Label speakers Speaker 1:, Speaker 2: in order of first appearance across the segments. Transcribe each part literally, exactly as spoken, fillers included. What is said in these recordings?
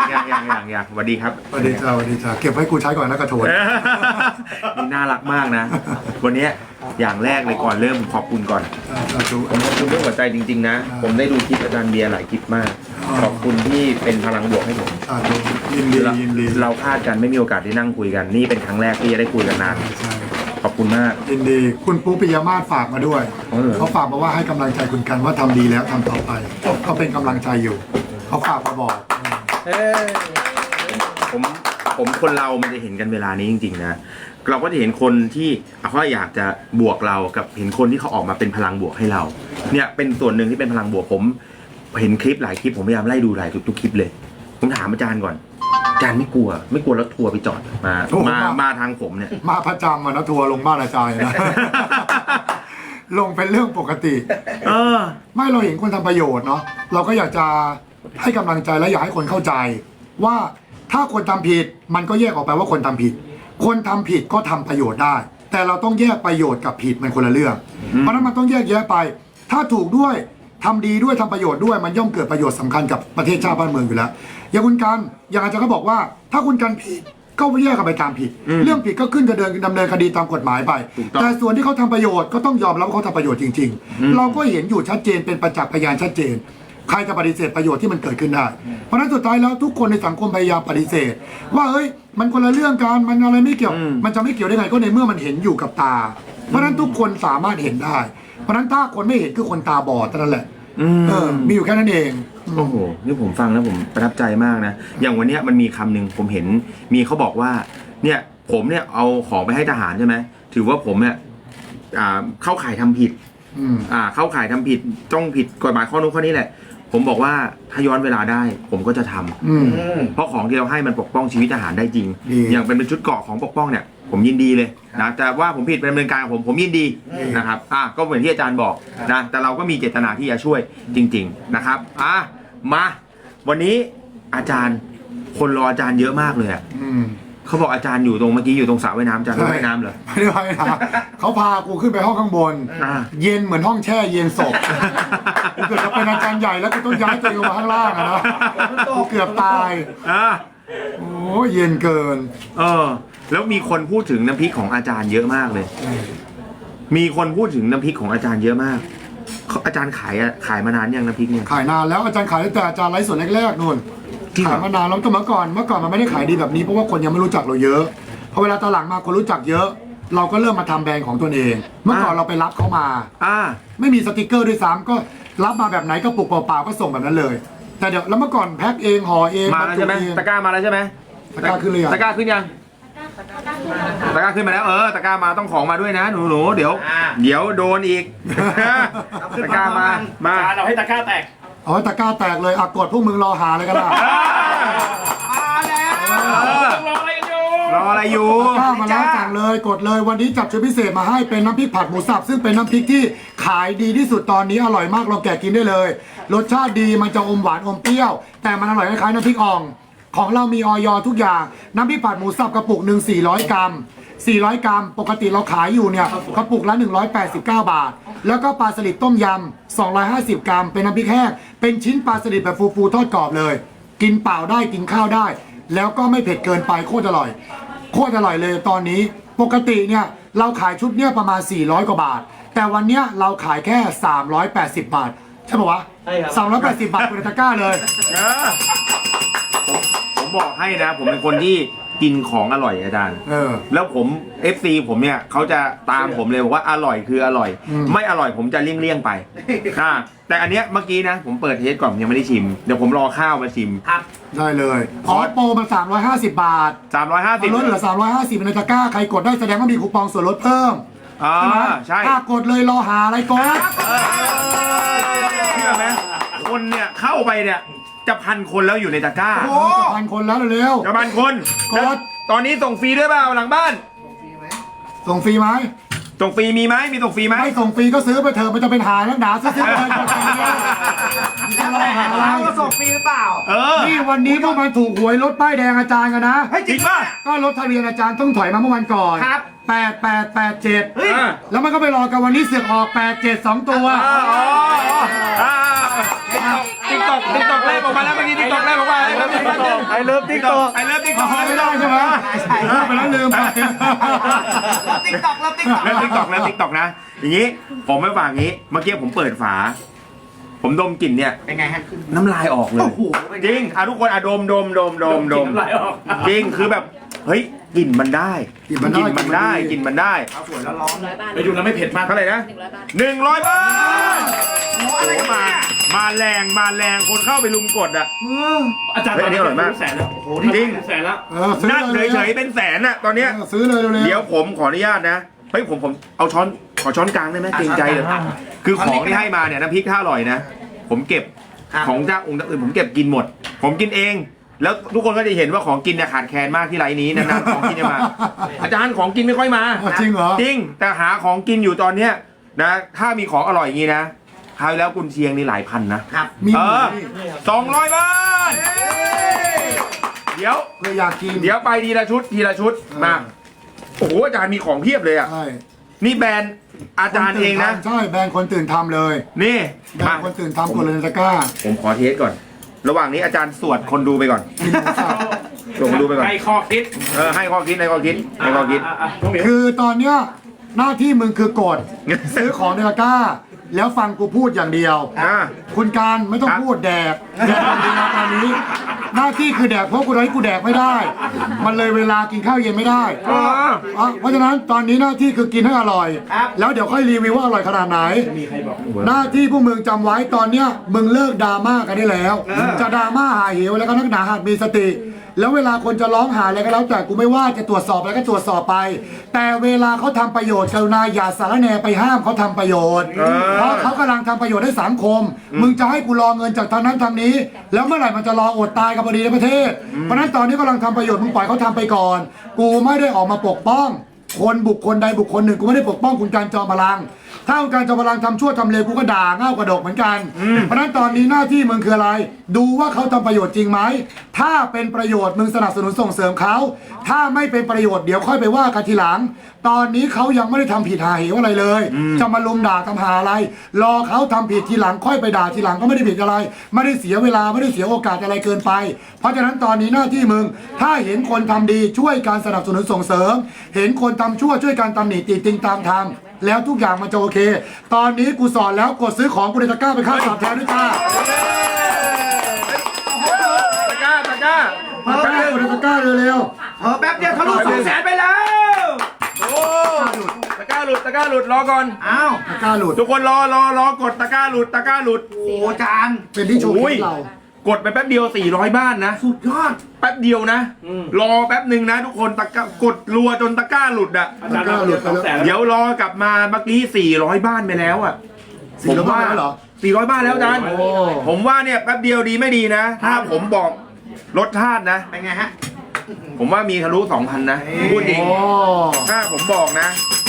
Speaker 1: อย่างอย่างอย่างอย่างสวัสดีครับ
Speaker 2: สวัสดีจ้าสวัสดีจ้าเก็บไว้กูใช้ก่อนนะกระโถน
Speaker 1: นี่น่ารักมากนะ วันนี้อย่างแรกเลยก่อนเริ่มขอบคุณก่อน
Speaker 2: สาธุ
Speaker 1: ผมขอบคุณด้วยหัวใจจริงๆนะ ผมได้ดูคลิปอาจารย์เบียร์หลายคลิปมาก ขอบคุณที่เป็นพลังบวกให้ผม
Speaker 2: สาธุยินดียินดี
Speaker 1: เราคาดกันไม่มีโอกาสได้นั่งคุยกัน นี่เป็นครั้งแรกที่จะได้คุยกันนาน
Speaker 2: ใช่
Speaker 1: ขอบคุณมาก
Speaker 2: ยินดีคุณปุ๊ปิยมาศฝากมาด้วย
Speaker 1: อ๋อเหรอ
Speaker 2: เขาฝากมาว่าให้กำลังใจคุณกันว่าทำดีแล้วทำต่อไปเขาเป็นกำลังใจอยู่เขาฝากมาบอก
Speaker 1: ผมผมคนเรามันจะเห็นกันเวลานี้จริงๆนะเราก็จะเห็นคนที่เขาอยากจะบวกเรากับเห็นคนที่เขาออกมาเป็นพลังบวกให้เราเนี่ยเป็นส่วนหนึ่งที่เป็นพลังบวกผมเห็นคลิปหลายคลิปผมพยายามไล่ดูหลายทุกๆคลิปเลยผมถามอาจารย์ก่อนอาจารย์ไม่กลัว ไม่กลัวแล้วทัวร์ไปจอดมามามาทางผมเนี่ย
Speaker 2: มาประจำมานะทัวร์ลงบ้านอาจารย์นะ ลงเป็นเรื่องปกติ
Speaker 1: เออ
Speaker 2: ไม่เราเห็นคนทำประโยชน์เนาะเราก็อยากจะให้กำลังใจและอยากให้คนเข้าใจ ว่าถ้าคนทำผิดมันก็แยกออกไปว่าคนทำผิด คนทำผิดก็ทำประโยชน์ได้ แต่เราต้องแยกประโยชน์กับผิดมันคนละเรื่อง เพราะฉะนั้นมันต้องแยกแยะไป ถ้าถูกด้วยทำดีด้วยทำประโยชน์ด้วยมันย่อมเกิดประโยชน์สำคัญกับประเทศชาติบ้านเมืองอยู่แล้วอย่างคุณกันอย่างอาจารย์ก็บอกว่า ถ้าคุณกันผิดก็แยกกันไปตามผิด เรื่องผิดก็ขึ้นจะเดินดำเนินคดีตามกฎหมายไป แต่ส่วนที่เขาทำประโยชน์ก็ต้องยอมรับว่าเขาทำประโยชน์จริง ๆ เราก็เห็นอยู่ชัดเจนเป็นประจักษ์พยานชัดเจน ใครจะปฏิเสธประโยชน์ที่มันเกิดขึ้นได้ เพราะฉะนั้นสุดท้ายแล้วทุกคนในสังคมพยายามปฏิเสธ ว่าเฮ้ยมันคนละเรื่องกันมันอะไรไม่เกี่ยว มันจะไม่เกี่ยวได้ไงก็ในเมื่อมันเห็นอยู่กับตา เพราะฉะนั้นทุกคนสามารถเห็นได้ เพราะฉะนั้นถ้าคนไม่เห็นคือคนตาบอดเท่านั้นแหละเออมีอยู่แค่นั้นเอง
Speaker 1: โอ้โหนี่ผมฟังแล้วผมประทับใจมากนะอย่างวันเนี้ยมันมีคำหนึ่งผมเห็นมีเขาบอกว่าเนี่ยผมเนี่ยเอาของไปให้ทหารใช่ไหมถือว่าผมเนี่ยอ่าเข้าข่ายทำผิด
Speaker 2: อืม
Speaker 1: อ่าเข้าข่ายทำผิดต้องผิดกฎหมายข้อนู้นข้อนี้แหละ ผมบอกว่าถ้าย้อนเวลาได้ ผมก็จะทำ
Speaker 2: อืม
Speaker 1: เพราะของที่เราให้มันปกป้องชีวิตทหารได้จริง
Speaker 2: ดี
Speaker 1: อย่างเป็นชุดเกราะของปกป้องเนี่ยผมยินดีเลยนะแต่ว่าผมผิดเป็นดำเนินการของผมผมยินดีนะครับอ่ะก็เหมือนที่อาจารย์บอกนะแต่เราก็มีเจตนาที่จะช่วยจริง ๆนะครับอ่ะมาวันนี้อาจารย์คนรออาจารย์เยอะมากเลยอ่ะ
Speaker 2: อืม
Speaker 1: เขาบอกอาจารย์อยู่ตรงเมื่อกี้อยู่ตรงสระว่ายน้ำอาจารย์ว่ายน้ำเหรอ
Speaker 2: ไม่ได้ไปนะเขาพากูขึ้นไปห้องข้างบน
Speaker 1: อ่า
Speaker 2: เย็นเหมือนห้องแช่เย็นศพกูเกือบจะเป็นอาจารย์ใหญ่แล้วกูต้องย้ายตัวเองลงมาข้างล่างอะนะกูเกือบตาย
Speaker 1: อ่ะ
Speaker 2: โอ้ยเย็นเกิน
Speaker 1: เออแล้วมีคนพูดถึงน้ำพริกของอาจารย์เยอะมากเลย มีคนพูดถึงน้ำพริกของอาจารย์เยอะมากเขาอาจารย์ขายอะขายมานานยังน้ำพริกเนี่ย
Speaker 2: ขายนานแล้วอาจารย์ขายตั้งแต่อาจารย์ไลฟ์สดแรกๆนู่น
Speaker 1: จริงเหรอ
Speaker 2: ขายมานานแล้วแต่เมื่อก่อนเมื่อก่อนมันไม่ได้ขายดีแบบนี้เพราะว่าคนยังไม่รู้จักเราเยอะพอเวลาตอนหลังมาคนรู้จักเยอะ เราก็เริ่มมาทำแบรนด์ของตัวเอง เมื่อก่อนเราไปรับเขามา
Speaker 1: อ่า
Speaker 2: ไม่มีสติกเกอร์ด้วยซ้ำก็รับมาแบบไหนก็ปลุกเปล่าๆก็ส่งแบบนั้นเลย แต่เดี๋ยวแล้วเมื่อก่อนแพ็คเองห่อเอง
Speaker 1: มาแล้วใช่ไหม
Speaker 2: บรรจุเอง
Speaker 1: ตะกร้ามาแล้วใช่ไหม
Speaker 2: ตะกร้าขึ้นหรือยัง
Speaker 1: ตะกร้าขึ้นยังตะกร้าขึ้นมาแล้วเออตะกร้ามาต้องของมาด้วยนะหนูหนูๆเดี๋ยว เดี๋ยวโดนอีกตะกร้ามามา
Speaker 3: เราให้ตะกร้าแตก
Speaker 2: เอาไว้ตะกร้าแตกเลยอ่ะกดพวกมึงรอหาเลยกันล่ะ
Speaker 3: มาแล้ว
Speaker 1: เออ
Speaker 3: รออะไรกันอยู่
Speaker 1: รออะไรอยู่
Speaker 2: ตะกร้ามาแล้วสั่งเลยกดเลยวันนี้จับชุดพิเศษมาให้เป็นน้ำพริกผัดหมูสับซึ่งเป็นน้ำพริกที่ขายดีที่สุดตอนนี้อร่อยมากลองแกะกินได้เลย รสชาติดีมันจะอมหวานอมเปรี้ยว แต่มันอร่อยคล้ายๆน้ำพริกอ่อง ของเรามีออยทุกอย่างน้ำพริกผัดหมูสับกระปุกหนึ่งสี่ร้อยกรัมสี่ร้อยกรัมปกติเราขายอยู่เนี่ยกระปุกละหนึ่งร้อยแปดสิบเก้าบาท แล้วก็ปลาสลิดต้มยำสองร้อยห้าสิบกรัมเป็นน้ำพริกแห้งเป็นชิ้นปลาสลิดแบบฟูๆทอดกรอบเลย กินเปล่าได้กินข้าวได้ แล้วก็ไม่เผ็ดเกินไปโคตรอร่อย โคตรอร่อยเลยตอนนี้ปกติเนี่ยเราขายชุดเนี่ยประมาณสี่ร้อยกว่าบาท แต่วันเนี้ยเราขายแค่สามร้อยแปดสิบบาทใช่ปะวะ
Speaker 3: ใช่ครับ
Speaker 2: สามร้อยแปดสิบบาทเป็นตะกร้าเลย
Speaker 1: เออผมผมบอกให้นะ ผมเป็นคนที่กินของอร่อยอาจารย์
Speaker 2: เออ
Speaker 1: แล้วผม เอฟ ซี ผมเนี่ยเขาจะตามผมเลยบอกว่าอร่อยคืออร่อย
Speaker 2: อืม
Speaker 1: ไม่อร่อยผมจะเลี่ยงๆไปอ่าแต่อันเนี้ยเมื่อกี้นะ ผมเปิดเทสก่อนยังไม่ได้ชิม เดี๋ยวผมรอข้าวมาชิม
Speaker 3: ครับ
Speaker 2: ได้เลยอ๋อโปรมันสามร้อยห้าสิบบาท
Speaker 1: สามร้อยห้าสิบ
Speaker 2: ลดเหลือสามร้อยห้าสิบในตะกร้าใครกดได้แสดงว่ามีคูปองส่วนลดเพิ่ม
Speaker 1: อ่า
Speaker 2: ใช่ไหม
Speaker 1: ใช่
Speaker 2: ถ้ากดเลยรอหาอะไรกด
Speaker 1: เชื่อไหมคนเนี่ยเข้าไปเนี่ยจะพันคนแล้วอยู่ในตะกร้า
Speaker 2: โอ้จะพันคนแล้วเร็ว
Speaker 1: จะพันคน
Speaker 2: กด
Speaker 1: แล้วตอนนี้ส่งฟรีด้วยเปล่าหลังบ้าน
Speaker 2: ๆส่งฟรีไหม
Speaker 1: ส่งฟรีมีไหมมีส่งฟรีไหม
Speaker 2: ไม่ส่งฟรีก็ซื้อไปเถอะมันจะเป็นหานักหนาซื้อๆเลยกดไปเลยจะรอหาอะไร
Speaker 3: เราส่งฟรีหรือเปล่า
Speaker 1: เออ
Speaker 2: นี่วันนี้พวกมันถูกหวยรถป้ายแดงอาจารย์กันนะ
Speaker 3: เฮ้ย
Speaker 1: จริงป่ะ
Speaker 2: ก็รถทะเบียนอาจารย์ต้องถอยมาเมื่อวันก่อน
Speaker 3: ครับ
Speaker 2: แปดแปดแปดเจ็ด
Speaker 3: เฮ้ย
Speaker 1: อ่า
Speaker 2: แล้วมันก็ไปรอกันวันนี้เสือกออกแปดเจ็ดสองตัว
Speaker 1: อ๋ออ๋ออ๋อติ๊กตต็อกติ๊กต็อกแรกออกมาแล้วเมื่อกี้ติ๊กต็อกแรกออกมาไอเลิฟติ๊กต็อกไอเลิฟติ๊กต็อกไม่ได้ใช่ไหม
Speaker 2: เออไปแล้วลืมไป
Speaker 3: ติ๊กต็อกแล้วติ๊กต็อก
Speaker 1: เลิฟติ๊กต็อกแล้วติ๊กต็อกนะอย่างนี้ผมไม่ฝากงี้เมื่อกี้ผมเปิดฝา ผมดมกลิ่นเนี่ย
Speaker 3: เป็นไงฮะ
Speaker 1: น้ำลายออกเลย
Speaker 3: โอ้โหเป็นไง
Speaker 1: จริงอ่ะทุกคนอ่ะดมดมดมดมดม
Speaker 3: น้ำลายออก
Speaker 1: จริงคือแบบเฮ้ยกลิ่นมันได้
Speaker 2: กลิ่นมันได้
Speaker 1: มันได้ก
Speaker 2: กลิ่
Speaker 1: ลิ่น
Speaker 2: นมั
Speaker 1: มัน
Speaker 2: นดี
Speaker 1: ได้
Speaker 3: เอาสวยแล้วร้อน
Speaker 4: ร้อยบาท
Speaker 3: ไปดูแล้วไม่เผ็ดมาก
Speaker 1: เท่าไหร่นะ
Speaker 4: หนึ่งร้อยบาท
Speaker 1: หนึ่งร้อยบาท
Speaker 3: โอ้อะไรกัน
Speaker 1: มา
Speaker 3: เนี่ย
Speaker 1: มาแรงมาแรงคนเข้าไปลุมกดอ่ะ
Speaker 3: อาจารย์
Speaker 1: เฮ้ยอันนี้อร่อยมาก
Speaker 3: แสนแล้วโอ้โห
Speaker 1: จริง
Speaker 3: แสนแล้ว
Speaker 2: เออซื้อ
Speaker 1: นั่ง
Speaker 2: เลย
Speaker 1: เฉยๆเป็นแสนอ่ะตอนเนี้ย
Speaker 2: เออซื้อเลยเร็วๆ
Speaker 1: เดี๋ยวผมขออนุญาตนะเฮ้ยผมผมเอาช้อนขอช้อนกลางได้ไหมเกรงใจเลยคือของที่ให้มาเนี่ยน้ำพริกถ้าอร่อยนะ ผมเก็บของเจ้าองค์อื่นผมเก็บกินหมด ผมกินเอง แล้วทุกคนก็จะเห็นว่าของกินเนี่ยขาดแคลนมากที่ไรนี้นานๆของกินจะมา อาจารย์ของกินไม่ค่อยมา
Speaker 2: อ๋อจริงเหรอ
Speaker 1: จริงแต่หาของกินอยู่ตอนเนี้ยนะถ้ามีของอร่อยอย่างนี้นะคราวที่แล้วกุนเชียงนี่หลายพันนะครับ
Speaker 2: มี
Speaker 1: เอ
Speaker 2: หมู
Speaker 1: อ
Speaker 2: นี่
Speaker 1: สองร้อยบาทเดี๋ยว
Speaker 2: เพื่ออยากกิน
Speaker 1: เดี๋ยวไปทีละชุดทีละชุดมาโอ้โหอาจารย์มีของเพียบเลยอ่ะ
Speaker 2: ใช่
Speaker 1: นี่แบรนด์อาจารย์เองนะ
Speaker 2: ใช่แบรนด์คนตื่นทำเลย
Speaker 1: นี่
Speaker 2: แบร
Speaker 1: มาน
Speaker 2: ด์คนตื่นทำกดเลยในตะกร้า
Speaker 1: ผมขอเทสก่อน ระหว่างนี้อาจารย์สวดคนดูไปก่อน
Speaker 2: กินหมูสับ
Speaker 1: สวดคนดูไปก่อน
Speaker 3: ให้ข้อคิด
Speaker 1: เออให้ข้อคิดให้ข้อคิดให้ข้อคิด
Speaker 3: ะะะน้องเหมียว
Speaker 2: คือตอนเนี้ยหน้าที่มึงคือกด ซื้อของในตะกร้า แล้วฟังกูพูดอย่างเดียว
Speaker 1: อ่า
Speaker 2: คุณการไม่ต้อง
Speaker 1: ครับ
Speaker 2: พูดแดกแดกอย่างเดียวตอนนี้ หน้าที่คือแดกเพราะกูให้กูแดกไม่ได้ มันเลยเวลากินข้าวเย็นไม่ได้
Speaker 1: เออ
Speaker 2: อ่ะเพราะฉะนั้นตอนนี้หน้าที่คือกินให้อร่อย แล้วเดี๋ยวค่อยรีวิวว่าอร่อยขนาดไหน
Speaker 3: มีใครบอก
Speaker 2: หน้าที่พวกมึงจำไว้ตอนเนี้ยมึงเลิกดราม่ากันได้แล้ว จะดราม่าหาเหวแล้วก็นักหนาหัดมีสติ แล้วเวลาคนจะร้องหาอะไรก็แล้วแต่กูไม่ว่าจะตรวจสอบอะไรก็ตรวจสอบไป แต่เวลาเขาทำประโยชน์กรุณาอย่าสารแหนไปห้ามเขาทำประโยชน์
Speaker 1: เออ
Speaker 2: เพราะเขากำลังทำประโยชน์ให้สังคม มึงจะให้กูรอเงินจากทางนั้นทางนี้ แล้วเมื่อไหร่มันจะรออดตายกับพอดีในประเทศ เพราะฉะนั้นตอนนี้กำลังทำประโยชน์มึงปล่อยเขาทำไปก่อน กูไม่ได้ออกมาปกป้อง คนบุคคลใดบุคคลหนึ่งกูไม่ได้ปกป้องคุณการจอมพลัง ถ้าคุณการจอมพลังทำชั่วทำเลวกูก็ด่าเง่ากระดกเหมือนกัน เพราะฉะนั้นตอนนี้หน้าที่มึงคืออะไร ดูว่าเขาทำประโยชน์จริงไหม ถ้าเป็นประโยชน์มึงสนับสนุนส่งเสริมเขา ถ้าไม่เป็นประโยชน์เดี๋ยวค่อยไปว่ากันทีหลัง ตอนนี้เขายังไม่ได้ทำผิดหาเหวอะไรเลย จะมาลุมด่าทำหาอะไร รอเขาทำผิดทีหลังค่อยไปด่าทีหลังก็ไม่ได้ผิดอะไร ไม่ได้เสียเวลาไม่ได้เสียโอกาสอะไรเกินไป เพราะฉะนั้นตอนนี้หน้าที่มึง ถ้าเห็นคนทำดีช่วยการสนับสนุนส่งเสริม เห็นคนทำชั่วช่วยการตำหนิติติงตามทำแล้วทุกอย่างมันจะโอเค ตอนนี้กูสอนแล้วกดซื้อของกูในตะกร้าไปค่าตอบแทนด้วยจ้า
Speaker 1: ตะกร้าตะกร้า
Speaker 2: ตะกร้ากดในตะกร้าเร็ว
Speaker 3: เออแป๊บเดียวทะลุสองแสนไปแล้ว
Speaker 1: โอ้ตะกร้าหลุดตะกร้าหลุดรอก่อน
Speaker 3: อ้าว
Speaker 2: ๆตะกร้าหลุด
Speaker 1: ทุกคนรอรอรอกดตะกร้าหลุดตะกร้าหลุด
Speaker 3: โอ้อาจารย์
Speaker 2: เป็นที่โชว์คลิปเรา
Speaker 1: กดไปแป๊บเดียวสี่ร้อยบ้านนะ
Speaker 3: สุดยอด
Speaker 1: แป๊บเดียวนะ
Speaker 3: อืม
Speaker 1: รอแป๊บหนึ่งนะ ทุกคนตะกร้ากดรัวจนตะกร้าหลุดอ่ะ
Speaker 3: อาจารย์เราเดียวสองแสนแล้ว
Speaker 1: เดี๋ยวรอกลับมาเมื่อกี้สี่ร้อยบ้านไปแล้วอ่ะ
Speaker 2: สี่ร้อยบ้านแล้วเหรอ
Speaker 1: สี่ร้อยบ้านแล้วอาจารย์
Speaker 2: โอ้
Speaker 1: ผมว่าเนี่ยแป๊บเดียวดีไม่ดีนะ ถ้าผมบอกรสชาตินะ
Speaker 3: เป็นไงฮะ
Speaker 1: ผมว่ามีทะลุสองพันนะพูดจริง
Speaker 2: โอ้
Speaker 1: ถ้าผมบอกนะ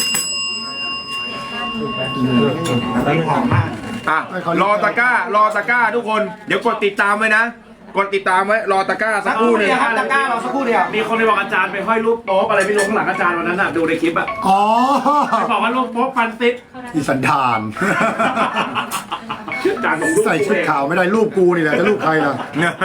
Speaker 3: นี่หอมมาก
Speaker 1: อ่ะรอตะกร้ารอตะกร้าทุกคนเดี๋ยวกดติดตามไว้นะ กดติดตามไว้รอตะกร้าสักครู่หนึง
Speaker 3: เดี๋ยวครับตะกร้าเราสักครู่เดียว มีคนไปบอกอาจารย์ไปห้อยรูปโป๊ะอะไรไม่รู้ข้างหลังอาจารย์วันนั้นน่ะดูในคลิปอ่ะ
Speaker 2: อ๋อ
Speaker 3: ไปบอกว่ารูปโป๊ะฟันซิด
Speaker 2: อีสันดาน
Speaker 3: อาจารย์ผมรูป
Speaker 2: ใส่ชุดขาวไม่ได้รูปกูนี่แหละจะรูปใครล่ะ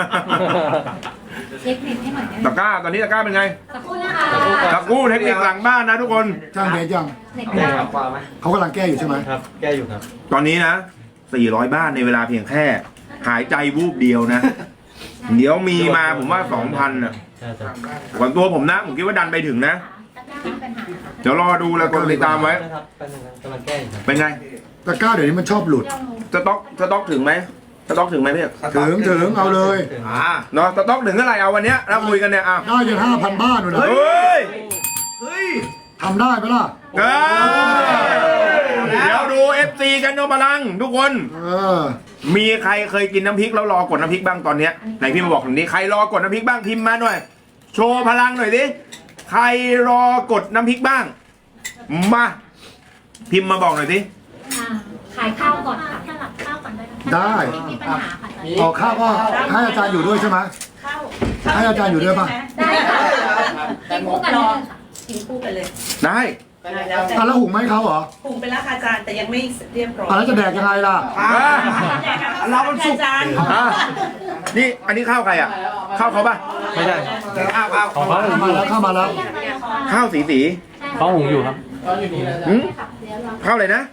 Speaker 4: เช็คเน็ตให้หน่อยได้ไหม
Speaker 1: ตะกร้าตอนนี้ตะกร้าเป็นไง
Speaker 4: สักครู่นะคะ
Speaker 1: ตะกรู่เทคนิคหลังบ้านนะทุกคน
Speaker 2: จ้างเบสยัง
Speaker 4: เน็ต
Speaker 5: แก้
Speaker 4: ได้
Speaker 5: ครับความไหม
Speaker 2: เขากำลังแก้อยู่ใช่ไหม
Speaker 5: ครับ แก้อยู่ครับ
Speaker 1: ตอนนี้นะสี่ร้อยบ้านในเวลาเพียงแค่ หายใจวูบเดียวนะ เดี๋ยวมีมาผมว่าสองพันอ่ะ
Speaker 5: ใช่ใช่
Speaker 1: ก่อนตัวผมนะ ผมคิดว่าดันไปถึงนะ เดี๋ยวรอดูแล้วกดติดตามไว้
Speaker 5: นะครับแป๊บนึงครับกำลังแก้อยู่ครับ
Speaker 1: เป็นไง
Speaker 2: ตะกร้าเดี๋ยวนี้มันชอบหลุด
Speaker 1: สต็อกสต็อกถึงไหมสต็อกถึงไหมพี่
Speaker 2: ถึงถึงเอาเลย
Speaker 3: อ่า
Speaker 1: เนาะสต็อกถึงเท่าไหร่เอาวันเนี้ยเราคุยกันเนี่ยอ่ะ
Speaker 2: ได้จนห้าพันบ้านเลยนะ
Speaker 1: เฮ้ย
Speaker 3: เฮ้ย
Speaker 2: ทำได้ไหมล่ะ
Speaker 1: เอ้ยเดี๋ยวดู เอฟ ซี กันโนพลังทุกคน
Speaker 2: เออ
Speaker 1: มีใครเคยกินน้ำพริกแล้วรอกดน้ำพริกบ้างตอนเนี้ยไหนพี่มาบอกผมนี้ใครรอกดน้ำพริกบ้างพิมพ์มาหน่อย โชว์พลังหน่อยสิใครรอกดน้ำพริกบ้าง มาพิมพ์มาบอกหน่อยสิ
Speaker 4: อ่าขายข้าวก่อนค่ะสลับข้าวก่อนได้ไหม
Speaker 2: ได้
Speaker 4: ไม่มีปัญหาค่ะ
Speaker 2: ออกข้าวก็ให้อาจารย์อยู่ด้วยใช่ไหม
Speaker 4: ข้าว
Speaker 2: ให้อาจารย์อยู่ด้วยป่ะ
Speaker 4: ได้ค่ะกินคู่กันเลยค่ะกินคู่กันเลย
Speaker 1: ได้
Speaker 5: แต
Speaker 6: แล้วแต่
Speaker 2: อ่ะแล้วหุงไหมเขาเหรอ
Speaker 6: ปรุงไปแล้วค่ะอาจารย์แต่ยังไม่เรียบร้อย
Speaker 2: อ่ะแล้วจะแดกยังไงล่ะ
Speaker 6: เราเป็นสุกอาจารย์
Speaker 1: อ่ะนี่อันนี้ข้าวใครอ่ะข้าวเขาป่ะ
Speaker 5: ไม่ใช่
Speaker 1: ข้าวข้าว
Speaker 5: ของเขาหุง
Speaker 2: มา
Speaker 5: อยู่
Speaker 2: แล้วเข้ามาแล้ว
Speaker 1: ข้าวสีสี
Speaker 5: เขาหุงอยู่ครับ
Speaker 1: หืมข้าวอะไรนะ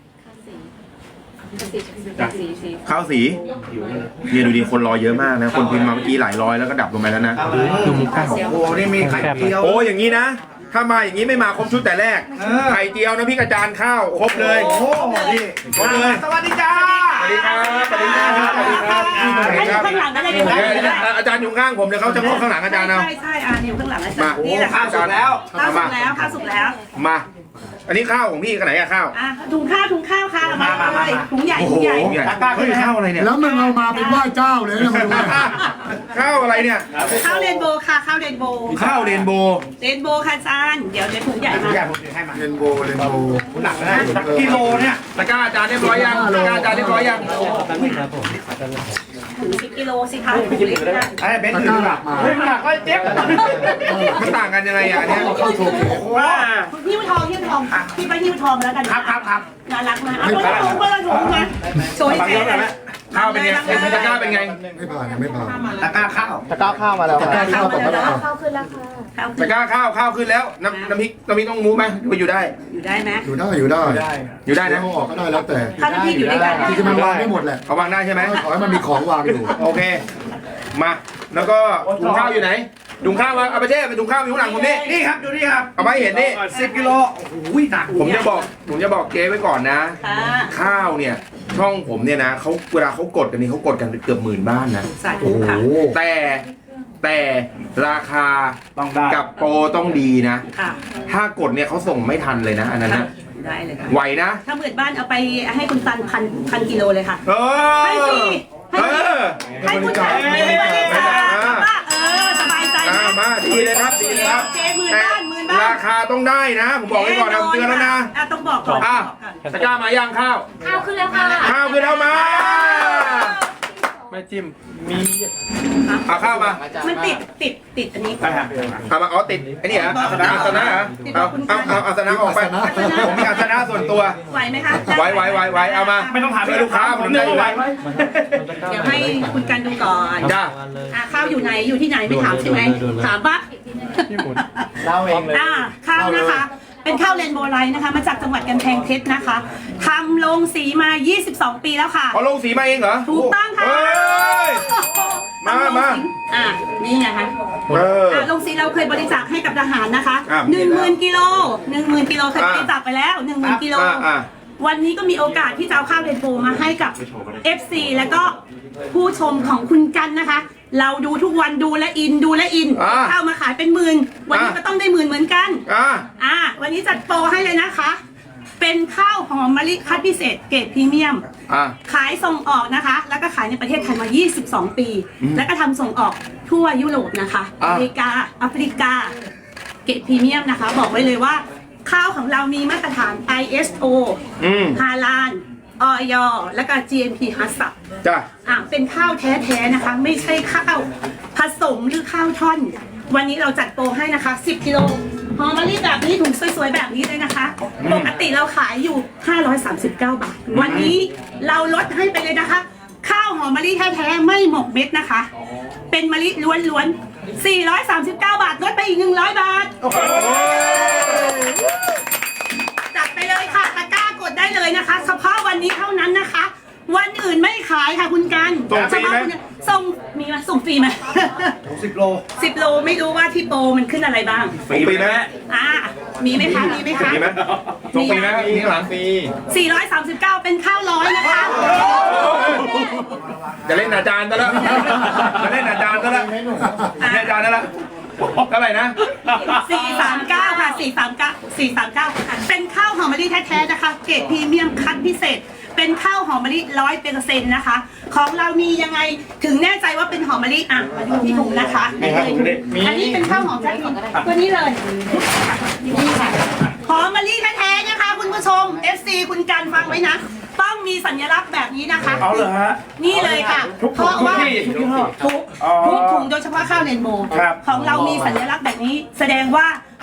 Speaker 1: ข้าวสีเนี่ยดูดิคนรอเยอะมากนะ คนพิมพ์มาเมื่อกี้หลายร้อยแล้วก็ดับลงไปแล้วนะ
Speaker 5: ดูมุกข้าว
Speaker 3: โอ้โหนี่มีไข่เจียว
Speaker 1: โอ้อย่างนี้นะ ถ้ามาอย่างนี้ไม่มาครบชุดแต่แรก ไข่เจียวนะพี่กระจานข้าวครบเลย
Speaker 3: โอ้โหนี่
Speaker 1: ครบเลย
Speaker 3: สวัสดีจ้า
Speaker 1: สวัสดีครับสวัสดีครับสวัสดีครับสวัสดีครับ
Speaker 6: ข้างหลังอะไรอยู่
Speaker 1: เดี๋ยวเดี๋ยวอาจารย์อยู่ข้างผมเดี๋ยวเขาจะเข้าข้างหลังอาจารย์เอา
Speaker 6: ใช่ใช่อ่าอยู่ข้างหลังอาจารย์
Speaker 1: มา
Speaker 6: นี่แหละ
Speaker 3: ข้าวสุกแล้ว
Speaker 6: ข้าวสุกแล้วข้าวสุกแล้ว
Speaker 1: มา อันนี้ข้าวของพี่กันไหนอะข้าว
Speaker 6: อ่ะถุงข้าวถุงข้าวค่ะมาเลยถุงใหญ่ถุงใหญ่
Speaker 1: โอ้โหตะกร้าขึ้นข้าวอะไรเนี่ย
Speaker 2: แล้วมึงเอามาเป็นไหว้เจ้าเลยนะมาดูเนี่ย
Speaker 1: ข้าวอะไรเนี่ย
Speaker 6: ข้าวเรนโบว์ค่ะข้าวเรนโบว์
Speaker 1: ข้าวเรนโบว์
Speaker 6: เรนโบว์ค่ะอาจารย์เดี๋ยวเดี๋ยวถุงใหญ่มา
Speaker 3: อยากผมถือให้มา
Speaker 2: เรนโบว์เรนโบว์
Speaker 3: หนักนะกิโลเนี่ย
Speaker 1: ตะกร้าอาจารย์เรียบร้อยยังตะกร้าอาจารย์เรียบร้อยยัง
Speaker 5: ครับผม
Speaker 6: ถึงสิบกิโลสิคะถุงเล็กนะ
Speaker 3: ไอ้เบน
Speaker 2: ตะ
Speaker 3: ซ์
Speaker 2: ก
Speaker 3: ถื
Speaker 2: ร้า
Speaker 3: อ
Speaker 2: หลักมา
Speaker 3: เฮ้ยหนักก็เจ็บ
Speaker 1: มันต่างกันยังไงอ่ะอันเนี่ย
Speaker 2: เข้าโชว์เคส
Speaker 3: ว้า
Speaker 6: หิ้วทองหิ้วทองพี่ไปหิ้วทองแล้วกัน
Speaker 3: ครับครับครับ
Speaker 6: น่ารักมากเอาคนละถุงคนละถุงนะโชว์ให้
Speaker 3: ฟัง
Speaker 6: เจ๊
Speaker 3: เยอะหน่อยไหม
Speaker 1: ข้าวเป็นไงเป็นตะกร้าเป็นไง
Speaker 2: ไม่ผ่านยังไม่ผ่าน
Speaker 3: ตะกร้าข้าว
Speaker 2: ตะกร้าข้าวต่อไปแล้ว
Speaker 4: เข้าขึ้นแล้วค่ะ
Speaker 6: ข้าว
Speaker 1: ตะกร้าข้าวข้าวขึ้นแล้วน้ำน้ำพริกน้ำพริกต้องมูไหมหรือว่าอยู่ได้
Speaker 6: อยู่ได้ไหม
Speaker 2: อยู่ได้อยู่ได้
Speaker 1: อยู่ได้นะ
Speaker 2: เอาออกก็ได้แล้วแต่
Speaker 6: ข้าวน้ำพริกอยู่ด้วยกัน
Speaker 2: จริงๆมันวางได้หมดแหละ
Speaker 1: เขาวางได้ใช่ไหม
Speaker 2: ขอให้มันมีของวางอยู่
Speaker 1: โอเค มา แล้วก็ถุงข้าวอยู่ไหนถุงข้าวมาเอาไปเช่เป็นถุงข้าวอยู่ข้างหลังผมนี่
Speaker 3: นี่ครับดูนี่ครับ
Speaker 1: เอาไปเห็นนี่
Speaker 3: สิบกิโลโอ้โหหนัก
Speaker 1: ผมจะบอกผมจะบอกเจ๊ไว้ก่อนนะ
Speaker 6: ค่ะ
Speaker 1: ข้าวเนี่ย ช่องผมเนี่ยนะเขาเวลาเขากดกันนี่เขากดกันเกือบหมื่นบ้านนะ
Speaker 6: สาธุค่ะ
Speaker 1: แต่แต่ราคา
Speaker 3: ต้องได้
Speaker 1: กับโปรต้องดีนะ
Speaker 6: ค่ะ
Speaker 1: ถ้ากดเนี่ยเขาส่งไม่ทันเลยนะ อันนั้นนะ
Speaker 6: ได้เลยค่ะ
Speaker 1: ไหวนะ
Speaker 6: ถ้าหมื่นบ้านเอาไปให้คุณตันพันพันกิโลเลยค่ะ
Speaker 1: เออ
Speaker 6: ให้ฟรีให้
Speaker 1: เอ
Speaker 6: ฟรี
Speaker 1: อ
Speaker 6: ให้คุณตันบริจาคว่าเออสบายใจ
Speaker 1: อ่า
Speaker 6: นะ
Speaker 1: มาดีเลยครับดีเลยครับ
Speaker 6: เจ๊หมื่น
Speaker 1: แต่
Speaker 6: บ้านหมื่นบ้าน
Speaker 1: ราคาต้องได้นะ ผมบอกไว้ก่อนนะผมเตือนแล้วนะ
Speaker 6: อ่ะต้องบอกก่อน
Speaker 1: อ่ะตะกร้ามาย่างข้าว
Speaker 4: ข้าวขึ้นแล้วค่ะ
Speaker 1: ข้าวคือเอามา
Speaker 5: ไม่จิ้ม มี
Speaker 1: เอาข้าวมา
Speaker 6: มันติดติดติดอันนี้
Speaker 3: ไปฮะ
Speaker 1: เอามาอ๋อติดไอ้นี่เหรออาสนะอาสนะเหรอเอาเอาเอาอาสนะออกไปผมมีอาสนะส่วนตัว
Speaker 6: ไหวไหมคะ
Speaker 1: ไว้ไว้ไว้ไว้เอามา
Speaker 3: ไม่ต้องถาม
Speaker 1: ช่วยลูกค้าผมได้อยู่
Speaker 3: ไหว
Speaker 1: แล้ว
Speaker 6: เดี๋ยวให้คุณกันดูก่อน
Speaker 1: จ้า
Speaker 6: อ่ะข้าวอยู่ไหนอยู่ที่ไหนไม่ถามใช่ไหมถามปะ
Speaker 5: พี่หมุนเล่าเองเลย
Speaker 6: อ่าข้าวนะคะ เป็นข้าวเรนโบว์ไลท์นะคะ มาจากจังหวัดกำแพงเพชรนะคะทำลงสีมา ยี่สิบสอง ปีแล้วค่ะ
Speaker 1: เอาลงสีมาเองเหรอ
Speaker 6: ถูกต้องค่ะ
Speaker 1: เฮ้ย มามา
Speaker 6: อ่ะนี่ไงคะ
Speaker 1: เออ
Speaker 6: อ่ะลงสีเราเคยบริจาคให้กับทหารนะคะ
Speaker 1: อ่ะ
Speaker 6: หนึ่งหมื่นกิโลหนึ่งหมื่นกิโลเคย
Speaker 1: อ่ะ
Speaker 6: บริจาคไปแล้วหนึ่งหมื่นกิโล
Speaker 1: อ่าอ่า
Speaker 6: วันนี้ก็มีโอกาสที่จะเอาข้าวเรนโบว์มาให้กับ เอฟ ซี แล้วก็ผู้ชมของคุณกันนะคะ เราดูทุกวันดูและอินดูและอิน
Speaker 1: อ่า
Speaker 6: ข้าวมาขายเป็นหมื่นวันนี้
Speaker 1: อ่ะ
Speaker 6: ก็ต้องได้หมื่นเหมือนกัน
Speaker 1: อ่า
Speaker 6: อ่าวันนี้จัดโปรให้เลยนะคะ เป็นข้าวหอมมะลิคัดพิเศษเกรดพรีเมียม
Speaker 1: อ่า
Speaker 6: ขายส่งออกนะคะ แล้วก็ขายในประเทศไทยมา ยี่สิบสอง ปี
Speaker 1: อืม
Speaker 6: แล้วก็ทำส่งออกทั่วยุโรปนะคะ
Speaker 1: อ่า
Speaker 6: อเมริกา แอฟริกา เกรดพรีเมียมนะคะ บอกไว้เลยว่า ข้าวของเรามีมาตรฐาน ไอ เอส โอ
Speaker 1: อืม
Speaker 6: ฮาลาลออย และก็ จี เอ็ม พี ฮัสซับ
Speaker 1: จ้า
Speaker 6: อ่ะเป็นข้าวแท้ๆนะคะ ไม่ใช่ข้าวผสมหรือข้าวท่อน วันนี้เราจัดโปรให้นะคะ สิบ กิโลหอมมะลิแบบนี้ถุงสวยๆแบบนี้เลยนะคะ ปกติเราขายอยู่ ห้าร้อยสามสิบเก้า บาท วันนี้เราลดให้ไปเลยนะคะ ข้าวหอมมะลิแท้ๆไม่หมกเม็ดนะคะ เป็นมะลิล้วนๆ สี่ร้อยสามสิบเก้า บาท ลดไปอีก หนึ่งร้อย บาท จัดไปเลยค่ะตะกร้ากดได้เลยนะคะเฉพาะวันนี้เท่านั้นนะคะ วันอื่นไม่ขายค่ะคุณกัน
Speaker 1: ส่งฟรีไหม
Speaker 6: เฉพาะคุณส่งมีไหมส่งฟรีไหม
Speaker 3: สิบโล
Speaker 6: สิบโลไม่รู้ว่าที่โปรมันขึ้นอะไรบ้าง
Speaker 1: ฟรีไหม
Speaker 6: อ่ามีไหมคะมีไหมคะ
Speaker 1: ฟรีไหมส่งฟรีไหมมีข้างหลังฟรี
Speaker 6: สี่ร้อยสามสิบเก้าเป็นข้าวร้อยนะคะ
Speaker 1: จะเล่นอาจารย์ซะแล้วจะเล่นอาจารย์ซะแล้วเล่นอาจารย์ซะแล้วเท่าไหร่นะ
Speaker 6: สี่สามเก้าค่ะสี่สามเก้าสี่สามเก้าเป็นข้าวหอมมะลิแท้ๆนะคะ เกรดพรีเมียมคัดพิเศษ เป็นข้าวหอมมะลิร้อยเปอร์เซ็นต์นะคะ ของเรามียังไงถึงแน่ใจว่าเป็นหอมมะลิอ่ะมาดูที่ถุงนะคะนี่เลยอันนี้เป็นข้าวหอมแท้จริงตัวนี้เลยนี่ค่ะหอมมะลิแท้ๆนะคะ คุณผู้ชม เอฟ ซี คุณกันฟังไว้นะต้องมีสัญลักษณ์แบบนี้นะคะ
Speaker 3: เอาเลยฮะ
Speaker 6: นี่เลยค่ะ
Speaker 3: ทุก
Speaker 6: เพ
Speaker 3: ทุก
Speaker 6: ราะว่า
Speaker 3: ที่ทุกยี่ห้อ
Speaker 6: ทุก
Speaker 3: อ๋อ
Speaker 6: ทุกถุงโดยเฉพาะข้าวเรนโบว์
Speaker 3: ครับ
Speaker 6: ของเรามีสัญลักษณ์แบบนี้ แสดงว่า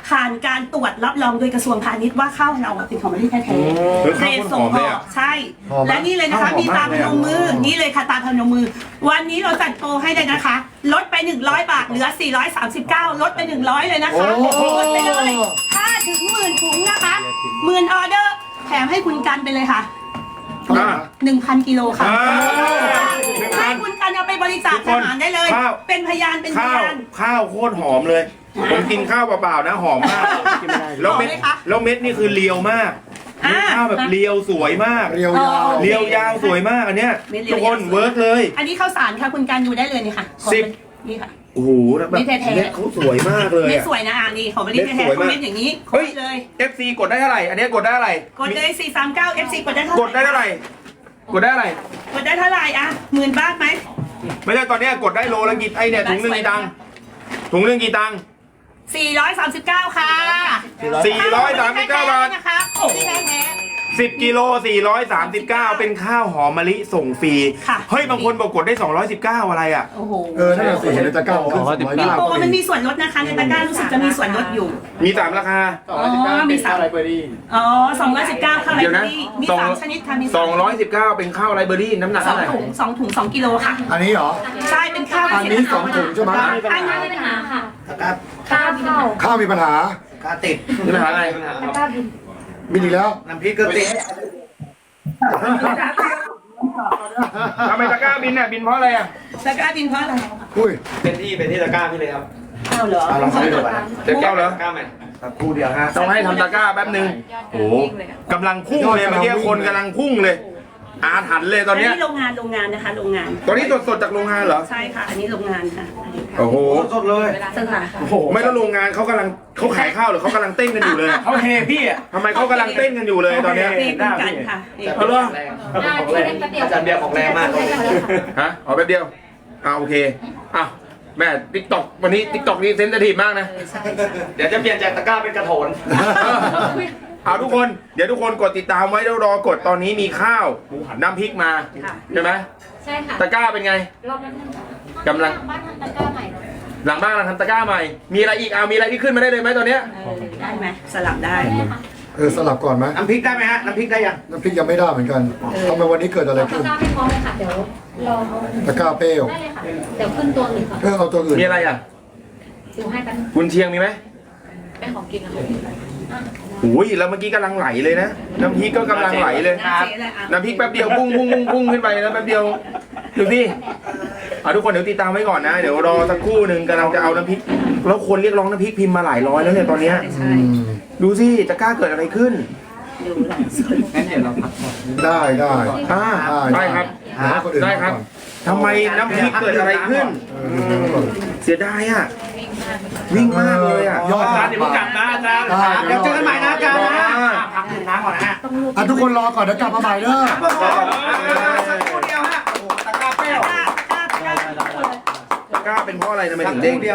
Speaker 6: ผ่านการตรวจรับรองโดยกระทรวงพาณิชย์ว่าข้าวเราเป็นของมะลิแท้
Speaker 1: เฮ้ย
Speaker 6: ๆเกร
Speaker 1: ข้าว
Speaker 6: ด
Speaker 1: โพดห
Speaker 6: ส่
Speaker 1: อง มเลย
Speaker 6: ออ
Speaker 1: อะ
Speaker 6: กใช่
Speaker 2: หอมไหม
Speaker 6: และนี่เลยนะคะ
Speaker 1: ข้าวหอม
Speaker 6: มีตาม
Speaker 1: มาก
Speaker 6: พ
Speaker 1: เลย
Speaker 6: น
Speaker 1: อะ
Speaker 6: มมือนี่เลยค่ะตามพนมมือ วันนี้เราจัดโปรให้เลยนะคะ ลดไปหนึ่งร้อยบาทเหลือสี่ร้อยสามสิบเก้าลดไปหนึ่งร้อยเลยนะคะ
Speaker 2: โอ้โห
Speaker 6: ลดไปเลยถ้าถึงหมื่นถุงนะคะหมื่นออเดอร์แถมให้คุณกันไปเลยค่ะ
Speaker 2: เท่าไหร่นะ
Speaker 6: หนึ่งพันกิโลค่ะ
Speaker 1: อ่าหนึ่งพั
Speaker 6: ให้
Speaker 1: น
Speaker 6: คุณกันเอาไปบริจาค
Speaker 1: ทุกค
Speaker 6: ท
Speaker 1: น
Speaker 6: หารได้เลย
Speaker 1: ข้าว
Speaker 6: เป็นพยานเป็นพ
Speaker 1: ข้าวย
Speaker 6: าน
Speaker 1: ข้าวโคตรหอมเลย ผมกินข้าวเปล่าๆนะหอมมากแล้วเม็ด
Speaker 6: หอมไหมคะ
Speaker 1: แล้วเม็ดนี่คือเรียวมาก
Speaker 6: อ่า
Speaker 1: ข้าวแบบเรียวสวยมาก
Speaker 2: เรียวยาว
Speaker 1: เรียวยาวสวยมากอันเนี้ย
Speaker 6: เม็ดเรียว
Speaker 1: ทุกคน
Speaker 6: ยาวสวย
Speaker 1: เวิร์กเลย
Speaker 6: อันนี้ข้าวสารค่ะคุณกันดูได้เลยนี่ค่ะ
Speaker 1: สิบ
Speaker 6: นี่ค่ะ
Speaker 1: โอ้โหแล้วแบบ
Speaker 6: เม็ดแท้ๆ
Speaker 1: เม็ดเขาสวยมากเลย
Speaker 6: เม็ด
Speaker 1: อะ
Speaker 6: สวยนะอ่านี่ของบริ
Speaker 1: เม็
Speaker 6: ษั
Speaker 1: ด
Speaker 6: ทแท้
Speaker 1: สวย
Speaker 6: ๆ
Speaker 1: มาก
Speaker 6: เม็ดอย่างนี้
Speaker 1: เฮ้ย
Speaker 6: เลย
Speaker 1: เอฟซี กดได้เท่าไหร่อันเนี้ยกดได้เท่าไหร่
Speaker 6: กดเลยสี่สามเก้า เอฟ ซี กดได้เท่าไหร่
Speaker 1: กดได้เท่าไหร่กดได้เท่าไหร่
Speaker 6: กดได้เท่าไหร่อ่ะหมื่นบาทไหม
Speaker 1: ไม่ใช่ตอนเนี้ยกดได้โลละกี่ไอเนี่ยถุงหนึ่งกี่ตังค์ถุงหนึ่งกี่ตังค์
Speaker 6: สี่ร้อยสามสิบเก้าค่ะ
Speaker 1: สี่ร้อยสามสิบเก้าบาท
Speaker 6: นะคะของที่แท้
Speaker 1: สิบกิโลสี่ร้อยสามสิบเก้าเป็นข้าวหอมมะลิส่งฟรี
Speaker 6: ค่ะ
Speaker 1: เฮ้ยบางคนบอกกดได้สองร้อยสิบเก้าอะไรอ่ะ
Speaker 6: ๆโอ้โห
Speaker 2: เออนั่นแหละสิเห็นในตะกร้าผมขึ้นสองร้อย
Speaker 6: มี
Speaker 2: เก้า
Speaker 6: โปรมันมีส่วนลดนะคะในตะกร้ารู้สึกจะมีส่วนลดอยู่
Speaker 1: มีสามราคา
Speaker 5: สองร้อยสิบเก้า
Speaker 6: อ๋อมี
Speaker 5: มี
Speaker 6: สา
Speaker 5: สาม มไรเบอรี่
Speaker 6: อ๋อสองร้อยสิบเก้าค่ะ
Speaker 1: เดี๋ยวนะ
Speaker 6: มี
Speaker 1: สอง
Speaker 6: สามชนิดค่ะมี
Speaker 1: สองร้อยสิบเก้าเป็นข้าวไรเบอรี่น้ำหนัก
Speaker 6: สอ
Speaker 1: เท่าง ไหร่
Speaker 6: ถุงสองถุงสองกิโลค่ะ
Speaker 2: อันนี้เหรอ
Speaker 6: ใช่เป็นข้าว
Speaker 2: อันนี้สองถุงใช่ไหม
Speaker 6: อันนี้
Speaker 4: ไม่มีปัญหาค่ะ
Speaker 7: ครับ
Speaker 4: ข้าวเข้า
Speaker 2: ข้าวมีปัญหา
Speaker 7: กาติด
Speaker 1: นี่ปัญหาอะไร
Speaker 4: แล้วก็บิน
Speaker 2: บินอีกแล้ว
Speaker 7: น้ำพริกก็ติด
Speaker 1: ทำไมตะกร้าบินอ่ะบินเพราะอะไรอ่ะ
Speaker 6: ตะกร้าบินเพราะอะไร
Speaker 2: อุ้ย
Speaker 5: เป็นที่เป็นที่ตะกร้าพี่เลยครับ
Speaker 6: ข้าวเหรอ
Speaker 7: เอาลองเข้าไปดูก่อนนะ
Speaker 1: เด็กเก้าเหรอ
Speaker 5: ตะกร้าใหม่
Speaker 7: ครับคู่เดียวฮะ
Speaker 1: ต้องให้ทำตะกร้าแป๊บนึงโอ้โหกำลังพุ่งเลยเมื่อกี้คนกำลังพุ่งเลย อาถรรพ์เลยตอนเนี้ย
Speaker 6: อันนี้โรงงานโรงงานนะคะโรงงาน
Speaker 1: ตอนนี้สดๆจากโรงงานเหรอ
Speaker 6: ใช่ค่ะ อันนี้โรงงานค่ะอันนี้ค่ะ
Speaker 1: โอ้โห
Speaker 7: สดเลย
Speaker 6: สถาน
Speaker 7: โอ้โห
Speaker 1: ไม่แล้วโรงงานเขากำลังเขาขายข้าวหรือเขากำลังเต้นกันอยู่เลย
Speaker 7: เขาเฮพี่อ่ะ
Speaker 1: ทำไมเขากำลังเต้นกันอยู่เลยตอนเนี้ย
Speaker 6: เองคุณกันค่ะเอง
Speaker 1: เอาเหรอ
Speaker 4: ได้ที่เล่นแป๊บเดียว
Speaker 7: อาจารย์เบียร์ของแรงมาก
Speaker 1: ฮะเอาแป๊บเดียวอ่าโอเคอ้าวแม่ติ๊กต็อกวันนี้ติ๊กต็อกนี่เซนซิทีฟมากนะ
Speaker 7: เดี๋ยวจะเปลี่ยนจากตะกร้าเป็นกระโถน
Speaker 1: เอาทุกคนเดี๋ยวทุกคนกดติดตามไว้แล้วรอกดตอนนี้มีข้าวน้ำพริกมา
Speaker 6: ค่ะ
Speaker 1: ใช่ไหม
Speaker 4: ใช่ค่ะ
Speaker 1: ตะกร้าเป็นไง
Speaker 4: รอบนั้น
Speaker 1: กำลัง
Speaker 4: บ้านทำตะกร้าใหม่
Speaker 1: หลังบ้านเราทำตะกร้าใหม่ มีอะไรอีกเอามีอะไรที่ขึ้นมาได้เลยไหมตอนเนี้ย
Speaker 6: เออได้ไหมสลับได้
Speaker 4: ได้ค่ะ
Speaker 2: เออสลับก่อนไหม
Speaker 7: น้ำพริกได้ไหมฮะ น้ำพริกได้ยัง
Speaker 2: น้ำพริกยังไม่ได้เหมือนกันทำไมวันนี้เกิดอะไร
Speaker 4: ตะ
Speaker 2: ขึ้น
Speaker 4: กร้าไม่พร้อมเลยค่ะ เดี๋ยวรอเอา
Speaker 2: ตะกร้าเปรี้ยว
Speaker 4: ได้เลยค่ะ เดี๋ยวขึ้นตัวหนึ่งค่ะ
Speaker 2: เออเอาตัวอื่น
Speaker 1: มีอะไรอ่ะ
Speaker 4: ดูให้กัน
Speaker 1: กุนเชียงมีไหม
Speaker 4: เป็นของกินนะคะ
Speaker 1: โอ้ยแล้วเมื่อกี้กำลังไหลเลยนะน้ำพริกก็กำลังไหลเลย
Speaker 6: น้ำเสียเลยอ่ะ
Speaker 1: น้ำพริกแป๊บเดียวพุ่งพุ่งพุ่งพุ่งขึ้นไปแล้วแป๊บเดียวดูสิเอาทุกคนเดี๋ยวติดตามไว้ก่อนนะ เดี๋ยวรอสักครู่หนึ่งกำลังจะเอาน้ำพริกแล้วคนเรียกร้องน้ำพริกพิมพ์มาหลายร้อยแล้วเนี่ยตอนเนี้ย
Speaker 6: ใช่
Speaker 2: อืม
Speaker 1: ดูสิจะกล้าเกิดอะไรขึ้น
Speaker 6: ดูแลสุด
Speaker 7: งั้นเดี๋ยวเราพัก
Speaker 2: ได้ได้
Speaker 1: อ่าได้ครับ
Speaker 2: เดี๋ยวให้คนอื่น
Speaker 1: ได้
Speaker 2: มา
Speaker 1: ครั
Speaker 2: ก่
Speaker 1: บ
Speaker 2: อน
Speaker 1: ทำไมน้ำพริกเกิดอะไรขึ้น
Speaker 2: เออเดี๋ยวให้ก่อน
Speaker 1: เสียดายอ่ะวิ่งมากเลยอ่ะ
Speaker 2: ยอด
Speaker 3: อาจารย์เดี๋ยวเพิ่งกลับนะอาจารย์
Speaker 2: ได้
Speaker 7: เดี๋ยวเจอกันใหม่นะอาจารย์นะ
Speaker 1: อ่า
Speaker 7: พักดื่มน้ำก่อนนะฮะ
Speaker 2: อ่ะทุกคนรอก่อนเดี๋ยวกลับมาใหม่เด้อ
Speaker 7: สักครู่เดียวฮะ โอ้โหตะกร้าเปรี้ยว
Speaker 6: กล้ากล้ากล้า
Speaker 1: ตะกร้าเป็นเพราะอะไรทำไมถึงเด้ง